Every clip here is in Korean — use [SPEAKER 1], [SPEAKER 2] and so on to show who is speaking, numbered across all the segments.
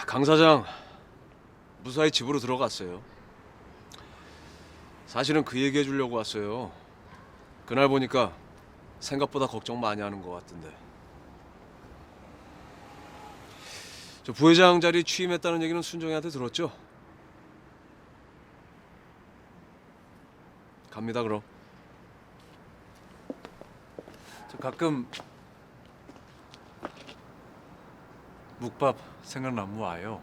[SPEAKER 1] 강 사장 무사히 집으로 들어갔어요. 사실은 그 얘기해 주려고 왔어요. 그날 보니까 생각보다 걱정 많이 하는 것 같던데. 저 부회장 자리 취임했다는 얘기는 순정이한테 들었죠? 갑니다 그럼.
[SPEAKER 2] 저 가끔 묵밥 생각나면 와요.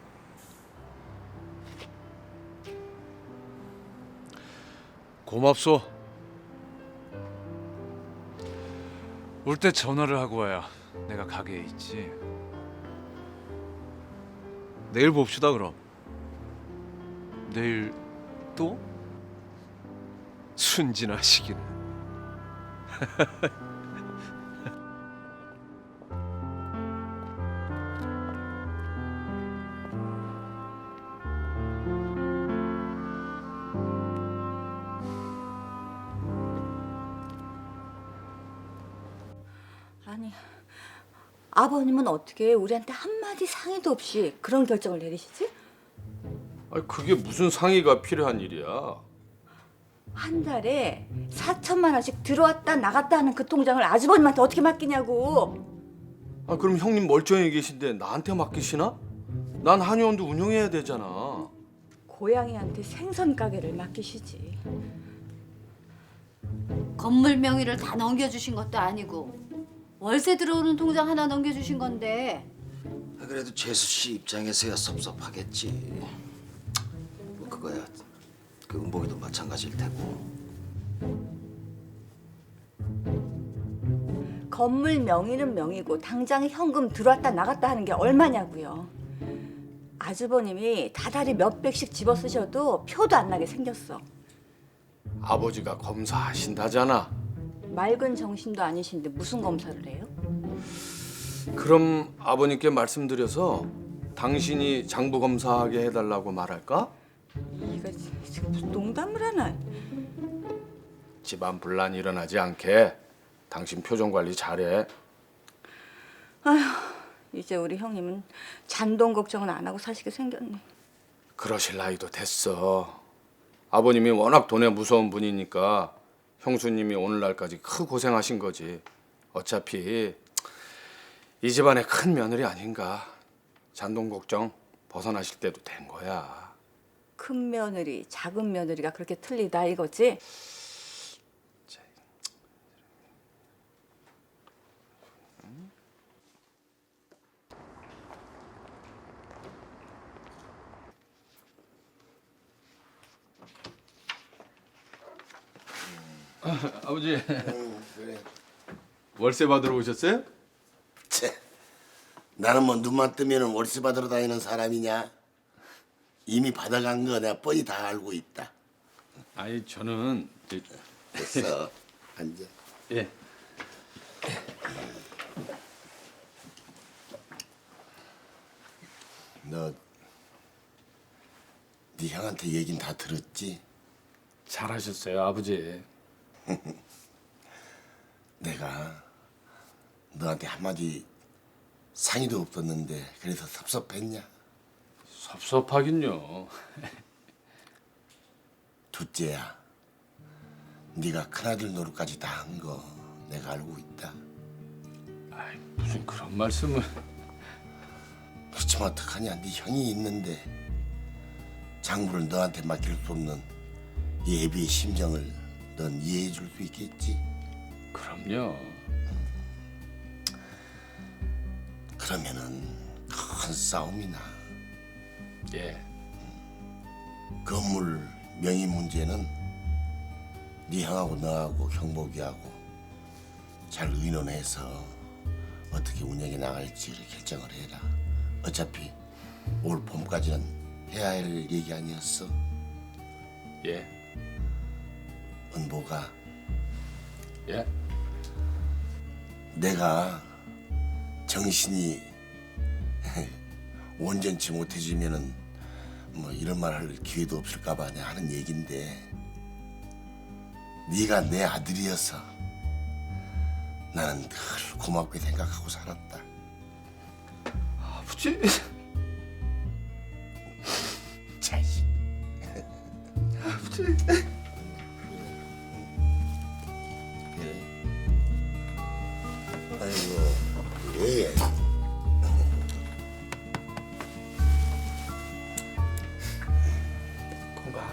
[SPEAKER 1] 고맙소.
[SPEAKER 2] 올 때 전화를 하고 와야 내가 가게에 있지.
[SPEAKER 1] 내일 봅시다 그럼.
[SPEAKER 2] 내일 또?
[SPEAKER 1] 순진하시긴.
[SPEAKER 3] 아니, 아버님은 어떻게 우리한테 한마디 상의도 없이 그런 결정을 내리시지?
[SPEAKER 4] 아니 그게 무슨 상의가 필요한 일이야?
[SPEAKER 3] 한 달에 4천만 원씩 들어왔다 나갔다 하는 그 통장을 아주버님한테 어떻게 맡기냐고.
[SPEAKER 4] 아 그럼 형님 멀쩡히 계신데 나한테 맡기시나? 난 한의원도 운영해야 되잖아.
[SPEAKER 3] 고양이한테 생선 가게를 맡기시지.
[SPEAKER 5] 건물 명의를 다 넘겨주신 것도 아니고 월세 들어오는 통장 하나 넘겨주신 건데
[SPEAKER 6] 그래도 재수 씨 입장에서야 섭섭하겠지. 뭐 그거야. 그 은복이도 마찬가지일 테고.
[SPEAKER 3] 건물 명의는 명의고 당장에 현금 들어왔다 나갔다 하는 게 얼마냐고요. 아주버님이 다달이 몇백씩 집어쓰셔도 표도 안 나게 생겼어.
[SPEAKER 4] 아버지가 검사하신다잖아.
[SPEAKER 3] 맑은 정신도 아니신데 무슨 검사를 해요?
[SPEAKER 4] 그럼 아버님께 말씀드려서 당신이 장부 검사하게 해달라고 말할까?
[SPEAKER 3] 이거 지금 무슨 농담을 하나.
[SPEAKER 4] 집안 분란이 일어나지 않게 당신 표정 관리 잘해.
[SPEAKER 3] 이제 우리 형님은 잔돈 걱정은 안 하고 사시게 생겼네.
[SPEAKER 4] 그러실 나이도 됐어. 아버님이 워낙 돈에 무서운 분이니까 형수님이 오늘날까지 크 고생하신 거지. 어차피 이 집안의 큰 며느리 아닌가. 잔돈 걱정 벗어나실 때도 된 거야.
[SPEAKER 3] 큰 며느리, 작은 며느리가 그렇게 틀리다 이거지?
[SPEAKER 4] 아버지
[SPEAKER 6] 그래.
[SPEAKER 4] 월세 받으러 오셨어요?
[SPEAKER 6] 채. 나는 뭐 눈만 뜨면은 월세 받으러 다니는 사람이냐? 이미 받아간 거 내가 뻔히 다 알고 있다.
[SPEAKER 4] 아니 저는
[SPEAKER 6] 됐어. 앉아.
[SPEAKER 4] 예.
[SPEAKER 6] 너 네 형한테 얘긴 다 들었지?
[SPEAKER 4] 잘하셨어요 아버지.
[SPEAKER 6] 내가 너한테 한마디 상의도 없었는데 그래서 섭섭했냐?
[SPEAKER 4] 섭섭하긴요.
[SPEAKER 6] 둘째야, 네가 큰아들 노릇까지 다 한 거 내가 알고 있다.
[SPEAKER 4] 아이, 무슨 그런 말씀을.
[SPEAKER 6] 그렇지만 어떡하냐, 네 형이 있는데 장부를 너한테 맡길 수 없는 예비의 심정을 넌 이해해 줄 수 있겠지?
[SPEAKER 4] 그럼요.
[SPEAKER 6] 그러면은 큰 싸움이 나.
[SPEAKER 4] 예.
[SPEAKER 6] 건물 명의 문제는 네 형하고 너하고 형복이하고 잘 의논해서 어떻게 운영해 나갈지를 결정을 해라. 어차피 올 봄까지는 해야 할 얘기 아니었어?
[SPEAKER 4] 예.
[SPEAKER 6] 은보가
[SPEAKER 4] 예.
[SPEAKER 6] 내가 정신이 온전치 못해지면은 뭐 이런 말 할 기회도 없을까봐 내가 하는 얘긴데 네가 내 아들이어서 나는 늘 고맙게 생각하고 살았다.
[SPEAKER 4] 아버지.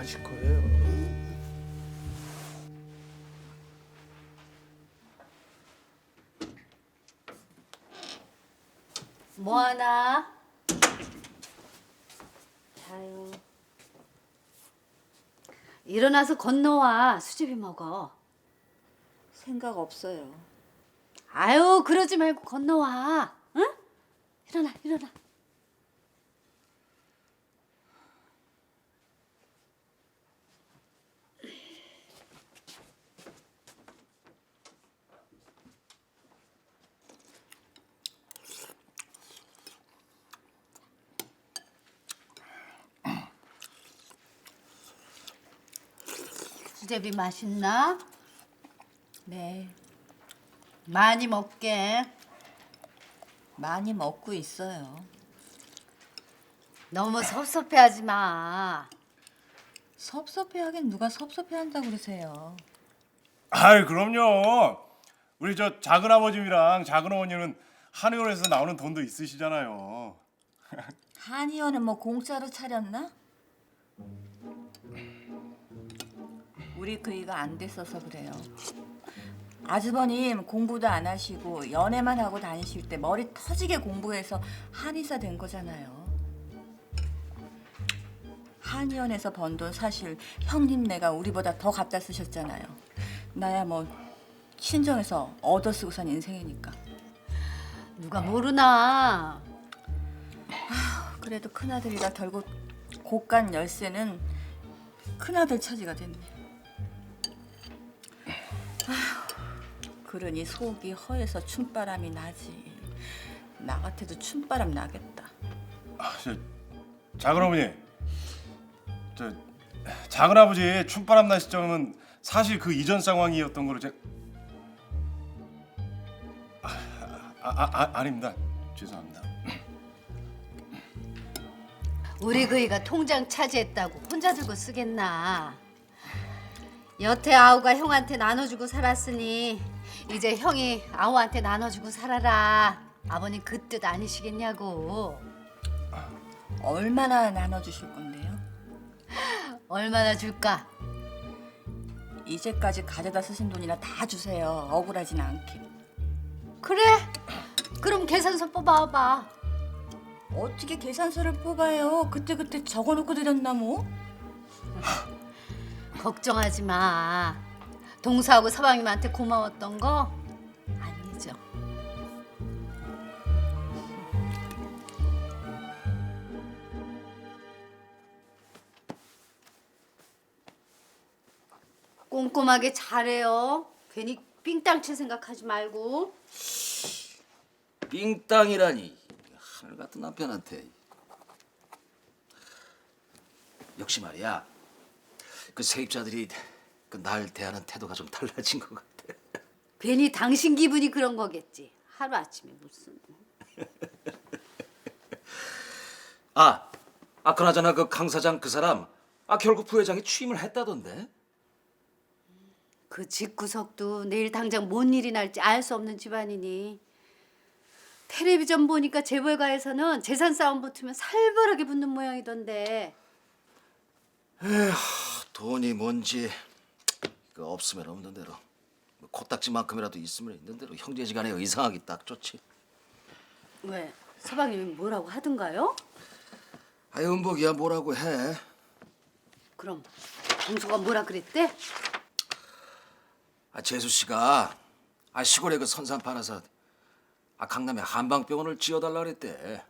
[SPEAKER 4] 하실 거예요.
[SPEAKER 5] 뭐 하나? 자요. 일어나서 건너와. 수제비 먹어.
[SPEAKER 3] 생각 없어요.
[SPEAKER 5] 아유, 그러지 말고 건너와. 응? 일어나, 일어나. 수제비 맛있나?
[SPEAKER 3] 네,
[SPEAKER 5] 많이 먹게.
[SPEAKER 3] 많이 먹고 있어요.
[SPEAKER 5] 너무 섭섭해하지 마.
[SPEAKER 3] 섭섭해하긴 누가 섭섭해한다고 그러세요.
[SPEAKER 7] 아이 그럼요. 우리 저 작은 아버님이랑 작은 어머니는 한의원에서 나오는 돈도 있으시잖아요.
[SPEAKER 3] 한의원은 뭐 공짜로 차렸나? 우리 그이가 안 됐어서 그래요. 아주버님 공부도 안 하시고 연애만 하고 다니실 때 머리 터지게 공부해서 한의사 된 거잖아요. 한의원에서 번 돈 사실 형님네가 우리보다 더 갖다 쓰셨잖아요. 나야 뭐 친정에서 얻어 쓰고 산 인생이니까.
[SPEAKER 5] 누가 모르나.
[SPEAKER 3] 그래도 큰아들이라 결국 고간 열쇠는 큰아들 차지가 됐네. 그러니 속이 허해서 춤바람이 나지. 나 같아도 춤바람 나겠다.
[SPEAKER 7] 저 작은 어머니, 저 작은 아버지 춤바람 날 시점은 사실 그 이전 상황이었던 거로 제가 아닙니다. 죄송합니다.
[SPEAKER 5] 우리 그이가 통장 차지했다고 혼자 들고 쓰겠나. 여태 아우가 형한테 나눠주고 살았으니 이제 형이 아우한테 나눠주고 살아라. 아버님 그 뜻 아니시겠냐고.
[SPEAKER 3] 얼마나 나눠주실 건데요?
[SPEAKER 5] 얼마나 줄까?
[SPEAKER 3] 이제까지 가져다 쓰신 돈이나 다 주세요. 억울하진 않게.
[SPEAKER 5] 그래? 그럼 계산서 뽑아봐.
[SPEAKER 3] 어떻게 계산서를 뽑아요? 그때 적어놓고 드렸나 뭐?
[SPEAKER 5] 걱정하지 마. 동서하고 서방님한테 고마웠던 거 안 잊어. 꼼꼼하게 잘해요. 괜히 삥땅칠 생각하지 말고.
[SPEAKER 8] 삥땅이라니 하늘 같은 남편한테. 역시 말이야 그 세입자들이 그 날 대하는 태도가 좀 달라진 것 같아.
[SPEAKER 5] 괜히 당신 기분이 그런 거겠지. 하루 아침에 무슨.
[SPEAKER 8] 그나저나 그 강 사장 그 사람 결국 부회장이 취임을 했다던데.
[SPEAKER 5] 그 집구석도 내일 당장 뭔 일이 날지 알 수 없는 집안이니. 텔레비전 보니까 재벌가에서는 재산 싸움 붙으면 살벌하게 붙는 모양이던데.
[SPEAKER 8] 돈이 뭔지 그 없으면 없는 대로 뭐 코딱지만큼이라도 있으면 있는 대로 형제지간에 의상하기 딱 좋지.
[SPEAKER 5] 왜? 서방님이 뭐라고 하던가요?
[SPEAKER 8] 은복이야 뭐라고 해.
[SPEAKER 5] 그럼 동서가 뭐라 그랬대?
[SPEAKER 8] 재수 씨가 시골에 그 선산 팔아서 강남에 한방병원을 지어달라 그랬대.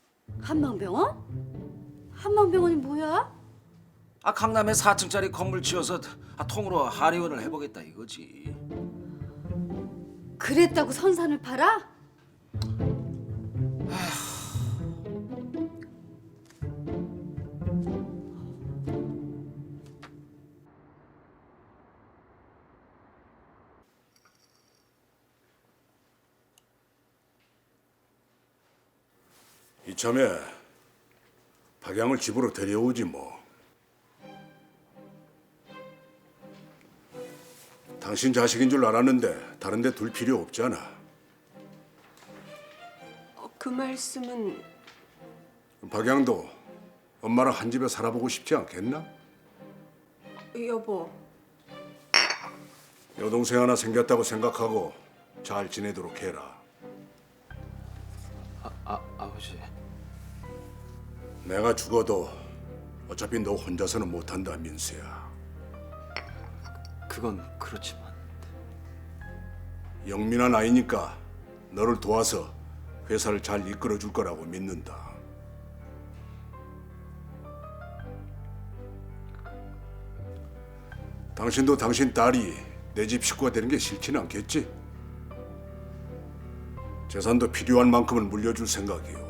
[SPEAKER 5] 한방병원? 한방병원이 뭐야?
[SPEAKER 8] 강남에 4층짜리 건물 지어서 통으로 한의원을 해보겠다 이거지.
[SPEAKER 5] 그랬다고 선산을 팔아?
[SPEAKER 9] 이참에 박양을 집으로 데려오지 뭐. 당신 자식인 줄 알았는데 다른 데 둘 필요 없잖아.
[SPEAKER 10] 그 말씀은
[SPEAKER 9] 박양도 엄마랑 한 집에 살아보고 싶지 않겠나?
[SPEAKER 10] 여보,
[SPEAKER 9] 여동생 하나 생겼다고 생각하고 잘 지내도록 해라.
[SPEAKER 4] 아버지.
[SPEAKER 9] 내가 죽어도 어차피 너 혼자서는 못한다, 민수야.
[SPEAKER 4] 그건 그렇지만
[SPEAKER 9] 영민한 아이니까 너를 도와서 회사를 잘 이끌어 줄 거라고 믿는다. 당신도 당신 딸이 내 집 식구가 되는 게 싫지는 않겠지? 재산도 필요한 만큼은 물려줄 생각이요.